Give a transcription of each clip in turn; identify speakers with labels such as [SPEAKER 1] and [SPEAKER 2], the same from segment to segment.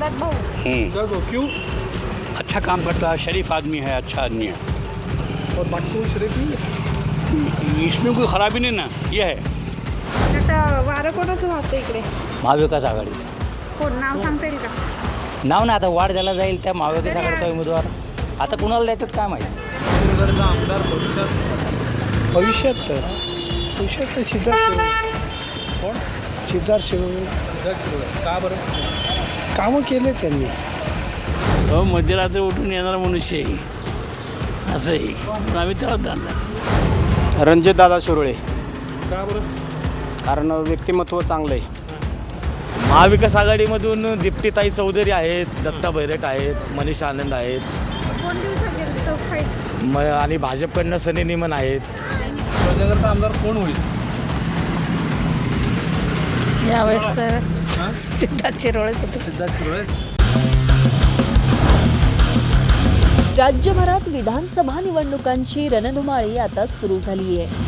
[SPEAKER 1] सिद्धार्थ भाऊ।
[SPEAKER 2] क्यों?
[SPEAKER 3] अच्छा काम करता है, शरीफ आदमी है, अच्छा आदमी है।
[SPEAKER 2] और बाकी कोई शरीफ नहीं है?
[SPEAKER 3] इसमें कोई खराबी नहीं ना, ये है।
[SPEAKER 1] आता वारं कोणाचं वाहतं इकडे?
[SPEAKER 4] महाविकास आघाडीचं
[SPEAKER 1] कोण नाव सांगता येईल का?
[SPEAKER 4] नाव ना आता वाढ द्यायला जाईल त्या महाविकास आघाडीचा उमेदवार आता कुणाला द्यायचं काय माहिती.
[SPEAKER 2] नगरचा आमदार भविष्यात
[SPEAKER 5] सिद्धार्थ
[SPEAKER 2] कोण?
[SPEAKER 5] सिद्धार्थ शिरोळे
[SPEAKER 2] का बरं?
[SPEAKER 5] कामं केले त्यांनी.
[SPEAKER 3] मध्यरात्री उठून येणारा मनुष्य आहे, असं आहे, पण आम्ही त्याला दानणार.
[SPEAKER 6] रणजितदादा शिरोळे,
[SPEAKER 2] का बरं?
[SPEAKER 6] कारण व्यक्तिमत्व चांगलं आहे.
[SPEAKER 7] महाविकास आघाडीमधून दीप्तीताई चौधरी आहेत, दत्ता बैरट आहेत, मनीष आनंद आहेत,
[SPEAKER 1] कोण देऊ शकेल तो फाईट?
[SPEAKER 7] आणि भाजपकडनं सनी निमन आहेत.
[SPEAKER 2] शिवाजीनगरचा आमदार कोण होईल?
[SPEAKER 1] यावेळेस तर सिद्धार्थ शिरोळेच होते.
[SPEAKER 2] सिद्धार्थ शिरोळे.
[SPEAKER 8] राज्यभरात विधानसभा निवडणुकांची रणधुमाळी आता सुरू झाली आहे.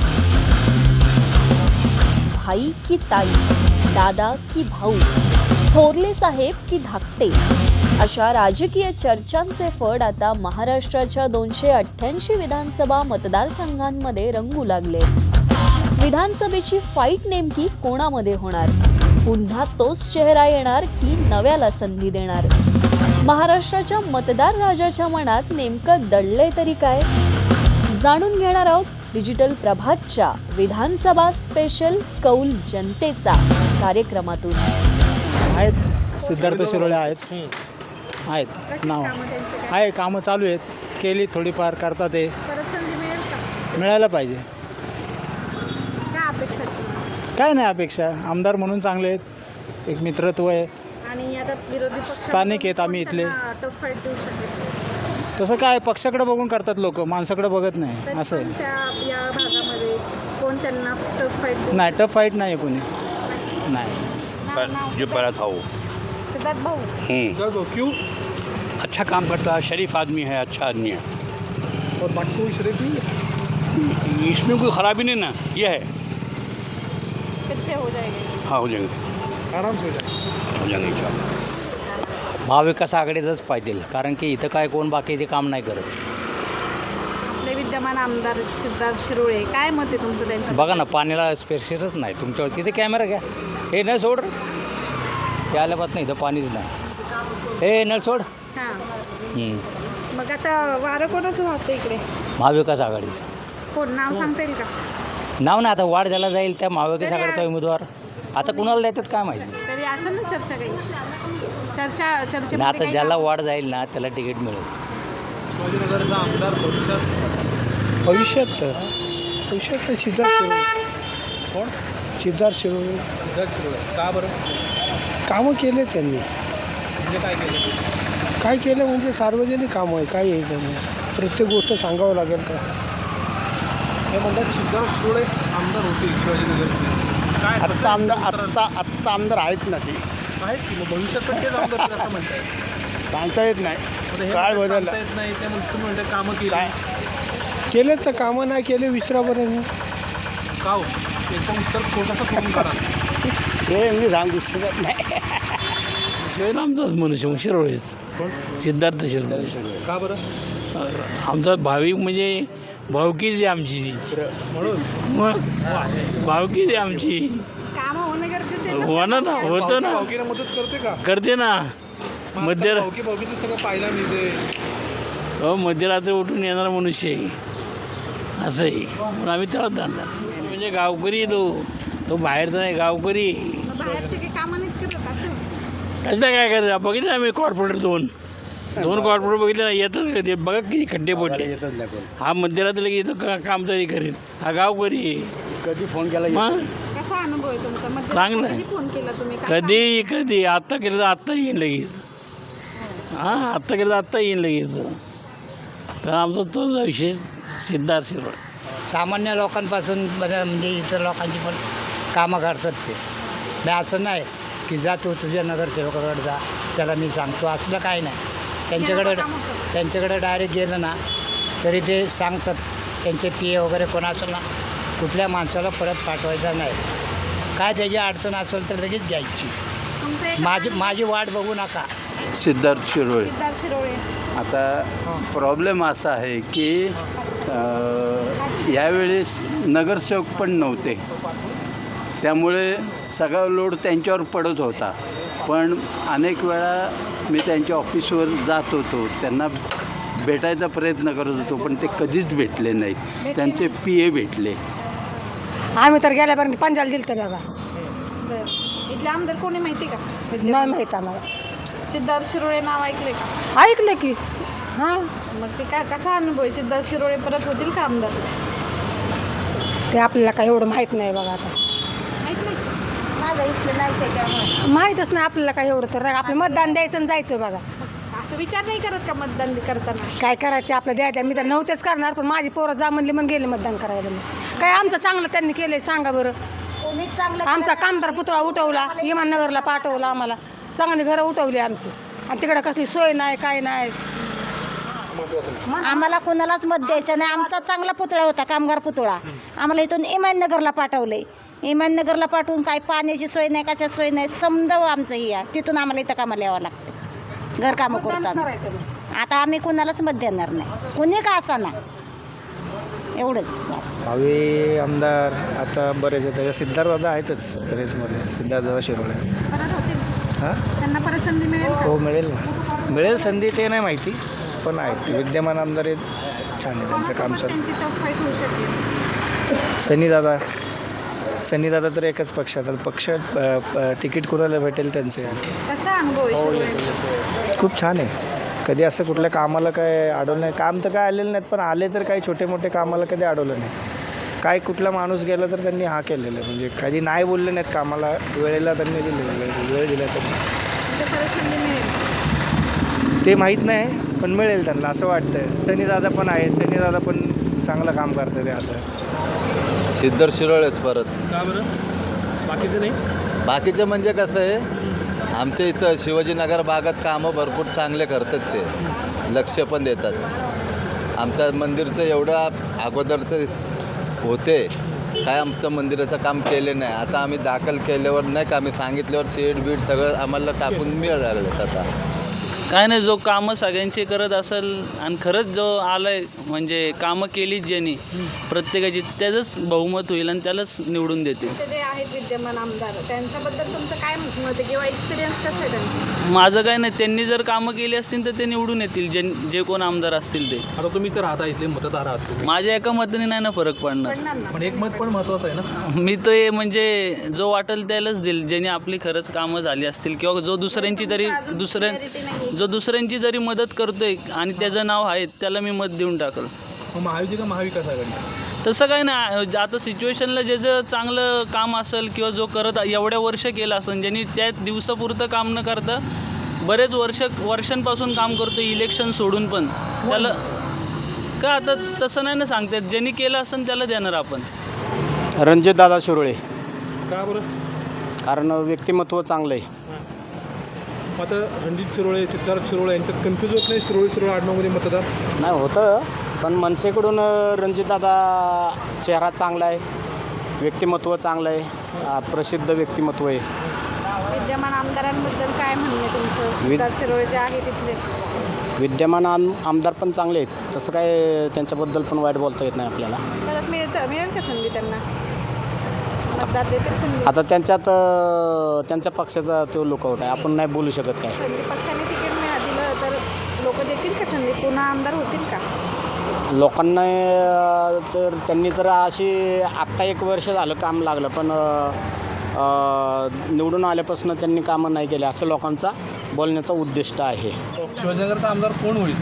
[SPEAKER 8] भाई की ताई, दादा की भाऊ, थोरले साहेब की धाकटे, अशा राजकीय चर्चांचे फड आता महाराष्ट्राच्या 288 विधानसभा मतदारसंघांमध्ये रंगू लागले. विधानसभेची फाईट नेमकी कोणामध्ये होणार? पुन्हा तोच चेहरा येणार की नव्याला संधी देणार? महाराष्ट्राच्या मतदार राजाच्या मनात नेमकं दडलंय तरी काय? जाणून घेणार आहोत डिजिटल प्रभातच्या विधानसभा स्पेशल कौल जनतेचा कार्यक्रमातून.
[SPEAKER 5] आहेत सिद्धार्थ शिरोळे आहेत नाव
[SPEAKER 1] कामं त्यांची काय?
[SPEAKER 5] आहे, कामं चालू आहेत, केली थोडीफार करतात ते.
[SPEAKER 1] परत संधी मिळेल का?
[SPEAKER 5] मिळायला पाहिजे.
[SPEAKER 1] काय अपेक्षा आहे तुम्हाला?
[SPEAKER 5] काय नाही अपेक्षा, आमदार म्हणून चांगले आहेत, एक मित्रत्व आहे.
[SPEAKER 1] आणि आता विरोधी पक्ष
[SPEAKER 5] स्थानिक आहेत आम्ही इथले.
[SPEAKER 1] टफ फाईट देऊ शकेल
[SPEAKER 5] तसं काय पक्षाकडे बघून करतात लोक, माणसाकडे बघत नाही,
[SPEAKER 1] तरी
[SPEAKER 5] असं
[SPEAKER 1] पण
[SPEAKER 5] आहे.
[SPEAKER 1] त्या या भागामध्ये कोण त्यांना टफ फाईट देऊ?
[SPEAKER 5] नाही, टफ फाईट नाही आहे कोणी, नाही.
[SPEAKER 3] जो पहला था वो।
[SPEAKER 1] सिद्धार्थ भाऊ।
[SPEAKER 2] क्यों?
[SPEAKER 3] अच्छा काम करता है, शरीफ आदमी है, अच्छा आदमी है।
[SPEAKER 2] और बाकी कोई शरीफ नहीं है?
[SPEAKER 3] इसमें कोई खराबी नहीं ना, ये है।
[SPEAKER 1] फिर से हो जाएगा?
[SPEAKER 3] हाँ, हो जाएंगे,
[SPEAKER 2] आराम से हो जाए.
[SPEAKER 3] हो जाएंगे इंशाल्लाह.
[SPEAKER 4] महाविकास आघाडीचंच पाहिजे कारण की इथं काय कोण बाकी ते काम नाही करत.
[SPEAKER 1] आपले विद्यमान आमदार सिद्धार्थ शिरोळे, काय मत आहे तुमचं त्यांच्या?
[SPEAKER 4] बघा ना पाण्याला स्पेशलच नाही तुमच्यावर, तिथे कॅमेरा घ्या, हे नळ सोड, ते आल्यापासून इथं पाणीच नाही, हे नळ सोड.
[SPEAKER 1] हां, मग आता वारं कोणाचं वाहतं इकडे?
[SPEAKER 4] महाविकास आघाडीचं
[SPEAKER 1] कोण नाव सांगता येईल का?
[SPEAKER 4] नाव ना आता वाढ द्यायला जाईल त्या महाविकास आघाडीचा उमेदवार आता कुणाला द्यायचं काय माहिती.
[SPEAKER 1] तरी असेल ना चर्चा काही?
[SPEAKER 4] आणि
[SPEAKER 1] चर्चेमध्ये
[SPEAKER 4] आता
[SPEAKER 1] काही
[SPEAKER 4] ज्याला वाढ जाईल ना त्याला तिकीट मिळेल.
[SPEAKER 2] शिवाजीनगरचा आमदार
[SPEAKER 5] भविष्यात सिद्धार्थ शिरोळे.
[SPEAKER 2] कोण?
[SPEAKER 5] सिद्धार्थ शिरोळे
[SPEAKER 2] सिद्धार्थ शिरोळे. का बरं?
[SPEAKER 5] कामं केले त्यांनी.
[SPEAKER 2] म्हणजे काय केलं?
[SPEAKER 5] काय केलं म्हणजे सार्वजनिक कामं आहे, काय आहे त्यांनी, प्रत्येक गोष्ट सांगावं लागेल का?
[SPEAKER 2] हे म्हणतात सिद्धार्थ शिरोळे आमदार होतील शिवाजीनगरचे. काय
[SPEAKER 5] आत्ता आमदार आहेत ना ते,
[SPEAKER 2] आहेत की मग भविष्यात पण तेच आमदार होतील असं म्हणताय?
[SPEAKER 5] सांगता येत नाही.
[SPEAKER 2] आता हे
[SPEAKER 5] काळ
[SPEAKER 2] म्हणतात
[SPEAKER 5] बदलला.
[SPEAKER 2] सांगता येत नाही ते म्हणून तुम्ही म्हणता कामं केली.
[SPEAKER 5] काय केले तर कामं नाही केले विसरा बरं.
[SPEAKER 2] का हो? याचं उत्तर छोटंसं करून काढा.
[SPEAKER 5] हे मी सांगू शकत नाही.
[SPEAKER 3] शिवरामचाच मनुष्य मग शिरोळेच, सिद्धार्थ शिरोळे.
[SPEAKER 2] का बरं?
[SPEAKER 3] आमचा भाविक म्हणजे भावकीच आहे आमची,
[SPEAKER 2] म्हणून
[SPEAKER 3] मग भावकीच आहे आमची.
[SPEAKER 1] कामं होणं गरजेचं आहे ना?
[SPEAKER 3] होणार ना, होतं ना,
[SPEAKER 2] भावकीला मदत करते का?
[SPEAKER 3] करते ना. मध्य
[SPEAKER 2] भावकीतून सगळं पाहायला मिळते.
[SPEAKER 3] मध्यरात्री उठून येणारा मनुष्य आहे, असं आहे, पण आम्ही त्याला दानणार. म्हणजे गावकरी आहे तो बाहेरचा नाही, गावकरी.
[SPEAKER 1] मग बाहेरचे काही कामं नाहीत करत असं?
[SPEAKER 3] कसं काय करायचं? बघितलं आम्ही कॉर्पोरेटर दोन कॉर्पोरेटर बघितले ना, येतात का ते? बघा किती खड्डे पडले. हा मध्यरात्री लगेच येतो, काम तरी करेल. हा गावकरी आहे.
[SPEAKER 6] कधी फोन केला
[SPEAKER 3] मग
[SPEAKER 1] कसा अनुभव आहे तुमचा?
[SPEAKER 3] चांगलं आहे.
[SPEAKER 1] फोन केला तुम्ही? काय
[SPEAKER 3] कधी आत्ता केलं तर आत्ता येईन लगेच. हां, आत्ता केलं तर आत्ता येईन लगेच. तर आमचा तो विषय सिद्धार्थ शिरोळे.
[SPEAKER 9] सामान्य लोकांपासून बरं म्हणजे इतर लोकांची पण कामं करतात ते. नाही असं नाही की जा तू तुझ्या नगरसेवकाकडे जा, त्याला मी सांगतो, असलं काही नाही. त्यांच्याकडे डायरेक्ट गेलं ना तरी ते सांगतात. त्यांचे पी ए वगैरे कोण असेल ना, कुठल्या माणसाला परत पाठवायचा नाही. काय त्याची अडचण असेल तर लगेच घ्यायची. माझी वाट बघू नका.
[SPEAKER 3] सिद्धार्थ शिरोळे.
[SPEAKER 1] सिद्धार्थ शिरोळे.
[SPEAKER 3] आता प्रॉब्लेम असा आहे की यावेळेस नगरसेवक पण नव्हते, त्यामुळे सगळा लोड त्यांच्यावर पडत होता. पण अनेक वेळा मी त्यांच्या ऑफिसवर जात होतो, त्यांना भेटायचा प्रयत्न करत होतो, पण ते कधीच भेटले नाहीत. त्यांचे PA भेटले.
[SPEAKER 10] आम्ही तर गेल्यापर्यंत पंजाला दिलं तर बघा.
[SPEAKER 1] बरं. इथले आमदार कोणी माहिती का?
[SPEAKER 10] नाही माहीत आम्हाला.
[SPEAKER 1] सिद्धार्थ शिरोळे नाव ऐकले का?
[SPEAKER 10] ऐकलं की हां,
[SPEAKER 1] मग ते काय कसा अनुभव आहे? सिद्धार्थ शिरोळे परत होतील का आमदार?
[SPEAKER 10] ते आपल्याला काय एवढं माहीत नाही बघा. आता
[SPEAKER 1] माहित नाही. माझं इथलं नाहीच आहे त्यामुळे.
[SPEAKER 10] माहीतच नाही आपल्याला काय एवढं. तर आपलं मतदान द्यायचं आणि जायचं बघा.
[SPEAKER 1] असं विचार नाही करत का मतदान करताना?
[SPEAKER 10] काय करायचे आपलं द्यायचं. मी तर नव्हतेच करणार, पण माझी पोरं जा म्हणली म्हणून गेले मतदान करायला. मी काय आमचं चांगलं त्यांनी केलंय सांगा बरं. आमचा कामदार पुतळा उठवला, इमाननगरला पाठवला, आम्हाला चांगली घरं उठवली आमची, आणि तिकडं कसली सोय नाही काय नाही.
[SPEAKER 11] आम्हाला कोणालाच मत द्यायचं नाही. आमचा चांगला पुतळा होता, कामगार पुतळा. आम्हाला इथून इमाननगरला पाठवले. इमाननगरला पाठवून काय पाण्याची सोय नाही, कशाची सोय नाही. समजाव आमचं ही आहे. तिथून आम्हाला इथं कामाला यावं लागतं. घरकामं करतो आम्ही. आता आम्ही कोणालाच मत देणार नाही, कोणी का असा ना. एवढंच बस.
[SPEAKER 5] भावी आमदार आता बरेच आहेत. सिद्धार्थ दादा आहेतच रेसमध्ये. सिद्धार्थ दादा शिरोळे.
[SPEAKER 1] परत होतील.
[SPEAKER 5] हां,
[SPEAKER 1] त्यांना परत संधी मिळेल का?
[SPEAKER 5] हो मिळेल ना. मिळेल संधी ते नाही माहिती, पण आहेत ते विद्यमान आमदार आहेत. छान आहे त्यांचं काम चालू.
[SPEAKER 1] त्यांची टफ फाईट होऊ शकेल.
[SPEAKER 5] सनी दादा तर एकच पक्षात. पक्ष तिकीट कोणाला भेटेल त्यांचे.
[SPEAKER 1] कसा अनुभव आहे शिरोळे?
[SPEAKER 5] खूप छान आहे. कधी असं कुठल्या कामाला काय अडवलं नाही. काम तर काय आलेलं नाहीत, पण आले तर काही छोटे मोठे कामाला कधी अडवलं नाही. काय कुठला माणूस गेला तर त्यांनी हा केलेलं आहे. म्हणजे कधी नाही बोलले नाहीत कामाला. वेळेला त्यांनी दिले, वेळ दिला त्यांनी.
[SPEAKER 1] म्हणजे परत संधी मिळेल.
[SPEAKER 5] ते माहीत नाही, पण मिळेल त्यांना असं वाटतं. सनीदादा पण आहे. सनीदादा पण चांगलं काम करतात ते आता.
[SPEAKER 12] सिद्धार्थ शिरोळेच परत.
[SPEAKER 2] का बरं? बाकीचं नाही.
[SPEAKER 12] बाकीचं म्हणजे कसं आहे, आमच्या इथं शिवाजीनगर भागात कामं भरपूर चांगले करतात. ते लक्ष पण देतात. आमच्या मंदिरचं एवढं अगोदरचं होते, काय आमचं मंदिराचं काम केले नाही. आता आम्ही दाखल केल्यावर नाही का, आम्ही सांगितल्यावर शेड बीड सगळं आम्हाला टाकून मिळालं आता.
[SPEAKER 13] काय नाही, जो कामं सगळ्यांची करत असेल आणि खरंच जो आलाय म्हणजे कामं केली ज्यांनी प्रत्येकाची, त्याचंच बहुमत होईल आणि त्यालाच निवडून देतील.
[SPEAKER 1] जे आहेत विद्यमान आमदार, त्यांच्याबद्दल तुमचं काय मत आहे किंवा एक्सपिरियन्स कसं आहे त्यांचं?
[SPEAKER 13] माझं काय नाही, त्यांनी जर कामं केली असतील तर ते निवडून येतील, जे कोण आमदार असतील ते.
[SPEAKER 2] आता तुम्ही तर राहता, इथले मतदार आहात तुम्ही.
[SPEAKER 13] माझ्या एका मताने नाही ना फरक पडणार.
[SPEAKER 2] पण एक मत पण महत्त्वाचं आहे ना.
[SPEAKER 13] मी तो म्हणजे जो वाटेल त्यालाच देईल, ज्याने आपली खरंच कामं झाली असतील किंवा जो दुसऱ्यांची जरी मदत करतोय आणि त्याचं नाव आहे, त्याला मी मत देऊन टाकल.
[SPEAKER 2] महायुती का महाविकास आघाडी?
[SPEAKER 13] तसं काही नाही. आता सिच्युएशनला ज्याचं चांगलं काम असेल किंवा जो करत एवढ्या वर्ष केलं असेल, ज्यांनी त्या दिवसापुरतं काम न करता बरेच वर्षांपासून काम करतो इलेक्शन सोडून, पण त्याला का आता तसं नाही ना सांगतात. ज्यांनी केलं असेल त्याला देणार आपण.
[SPEAKER 6] रणजितदादा शिरोळे.
[SPEAKER 2] का बरं?
[SPEAKER 6] कारण व्यक्तिमत्व चांगलं आहे.
[SPEAKER 2] आता रणजित शिरोळे, सिद्धार्थ शिरोळे यांच्यात कन्फ्यूज होत नाही? शिरोळे आडनावमध्ये मतदार
[SPEAKER 6] नाही होतं, पण मनसेकडून रणजितदादा चेहरा चांगला आहे, व्यक्तिमत्व चांगलं आहे, प्रसिद्ध व्यक्तिमत्व आहे.
[SPEAKER 1] विद्यमान आमदारांबद्दल काय म्हणणे तुमचं? सिद्धार्थ शिरोळे जे आहे तिथले
[SPEAKER 6] विद्यमान आमदार पण चांगले आहेत, तसं काय त्यांच्याबद्दल पण वाईट बोलता येत नाही आपल्याला.
[SPEAKER 1] परत मिळेल का संधी त्यांना? मतदार देतील संधी?
[SPEAKER 6] आता त्यांच्या पक्षाचा तो लुकआउट आहे, आपण नाही बोलू शकत काय.
[SPEAKER 1] संधी पक्षाने तिकीट दिलं तर लोक देतील का संधी? पुन्हा आमदार होतील का?
[SPEAKER 6] लोकांना तर त्यांनी तर अशी आत्ता 1 वर्ष झालं काम लागलं, पण निवडून आल्यापासून त्यांनी कामं नाही केले असं लोकांचा बोलण्याचा उद्दिष्ट आहे.
[SPEAKER 2] शिवाजीनगरचा आमदार कोण होईल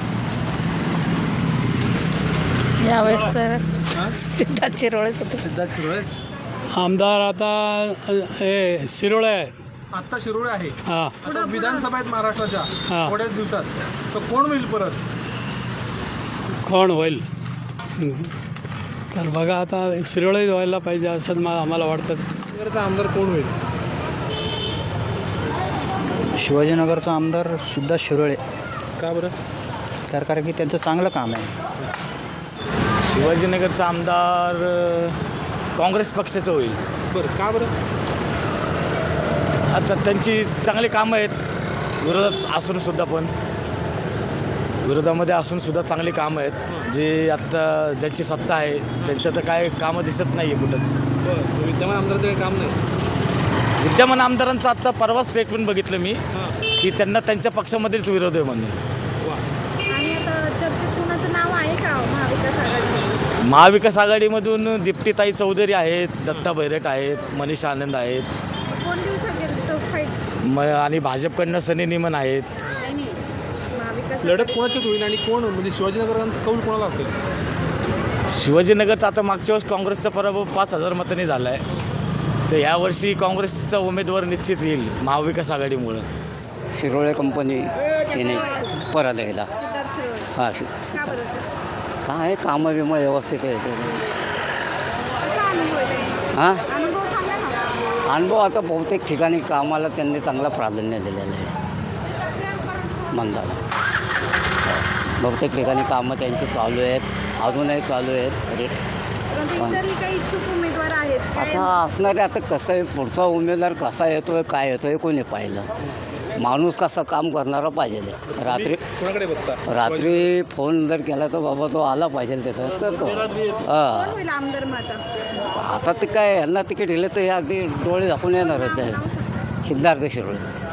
[SPEAKER 10] यावेळेस तर सिद्धार्थ शिरोळेच होते.
[SPEAKER 2] सिद्धार्थ शिरोळे.
[SPEAKER 3] आमदार आता शिरोळे आहे.
[SPEAKER 2] आत्ता शिरोळे आहे.
[SPEAKER 3] हां,
[SPEAKER 2] आता विधानसभा आहेत महाराष्ट्राच्या थोड्याच दिवसात, तर कोण होईल परत?
[SPEAKER 3] कोण होईल तर बघा, आता शिरोळे व्हायला पाहिजे असं आम्हाला वाटतं.
[SPEAKER 2] शिवाजीनगरचा आमदार कोण होईल?
[SPEAKER 4] शिवाजीनगरचा आमदार सुद्धा शिरोळे.
[SPEAKER 2] का बरं?
[SPEAKER 4] तर कारण की त्यांचं चांगलं काम आहे.
[SPEAKER 7] शिवाजीनगरचा आमदार काँग्रेस पक्षाचं होईल.
[SPEAKER 2] बरं, का बरं?
[SPEAKER 7] आता त्यांची चांगली कामं आहेत, विरोधात असूनसुद्धा पण विरोधामध्ये असूनसुद्धा चांगली कामं आहेत जे आत्ता ज्यांची सत्ता आहे त्यांचं तर काय कामं दिसत नाही आहे कुठंच.
[SPEAKER 2] बरं विद्यमान आमदाराचं काही काम नाही.
[SPEAKER 7] विद्यमान आमदारांचं आत्ता परवाच स्टेटमेंट बघितलं मी की त्यांना त्यांच्या पक्षामध्येच विरोध आहे म्हणून.
[SPEAKER 1] आणि आता चर्चेत कुणाचं नाव आहे का महाविकास आघाडी?
[SPEAKER 7] महाविकास आघाडीमधून दीप्तीताई चौधरी आहेत, दत्ता बैरट आहेत, मनीषा आनंद आहेत,
[SPEAKER 1] कोण देऊ शकेल तो फाईट?
[SPEAKER 7] आणि भाजपकडनं सनी निमन आहेत.
[SPEAKER 1] नाही महाविकास
[SPEAKER 2] लढत कोणाच्यात होईल आणि कोण म्हणजे शिवाजीनगरांचा कौल कोणाला असेल?
[SPEAKER 7] शिवाजीनगरचा आता मागच्या वेळेस काँग्रेसचा पराभव 5,000 मतांनी झाला आहे. तर यावर्षी काँग्रेसचा उमेदवार निश्चित येईल महाविकास आघाडीमुळं.
[SPEAKER 3] शिरोळे कंपनी येणे परत एकदा
[SPEAKER 1] सिद्धार्थ शिरोळे
[SPEAKER 3] हां
[SPEAKER 1] का बरं?
[SPEAKER 3] काय कामं बिमं व्यवस्थित आहे
[SPEAKER 1] कसा अनुभव आहे त्यांचा?
[SPEAKER 3] हां
[SPEAKER 1] अनुभव सांगा ना.
[SPEAKER 3] अनुभव आता बहुतेक ठिकाणी कामाला त्यांनी चांगला प्राधान्य दिलेलं आहे मंदाला. बहुतेक ठिकाणी कामं त्यांची चालू आहेत, अजूनही चालू आहेत.
[SPEAKER 1] परंतु इतरही काही इच्छुक उमेदवार आहेत काय?
[SPEAKER 3] आता असणारे आता कसं आहे पुढचा उमेदवार कसा येतो आहे काय येतो आहे कोणी पाहिलं. माणूस कसा काम करणारा पाहिजे.
[SPEAKER 2] कोणाकडे बघता?
[SPEAKER 3] रात्री फोन जर केला तर बाबा तो आला पाहिजे त्याचा तर तो
[SPEAKER 1] कोण होईल आमदार मग आता?
[SPEAKER 3] आता ते काय यांना तिकीट दिलं तर हे अगदी डोळे झाकून येणारच आहे. सिद्धार्थ शिरोळे.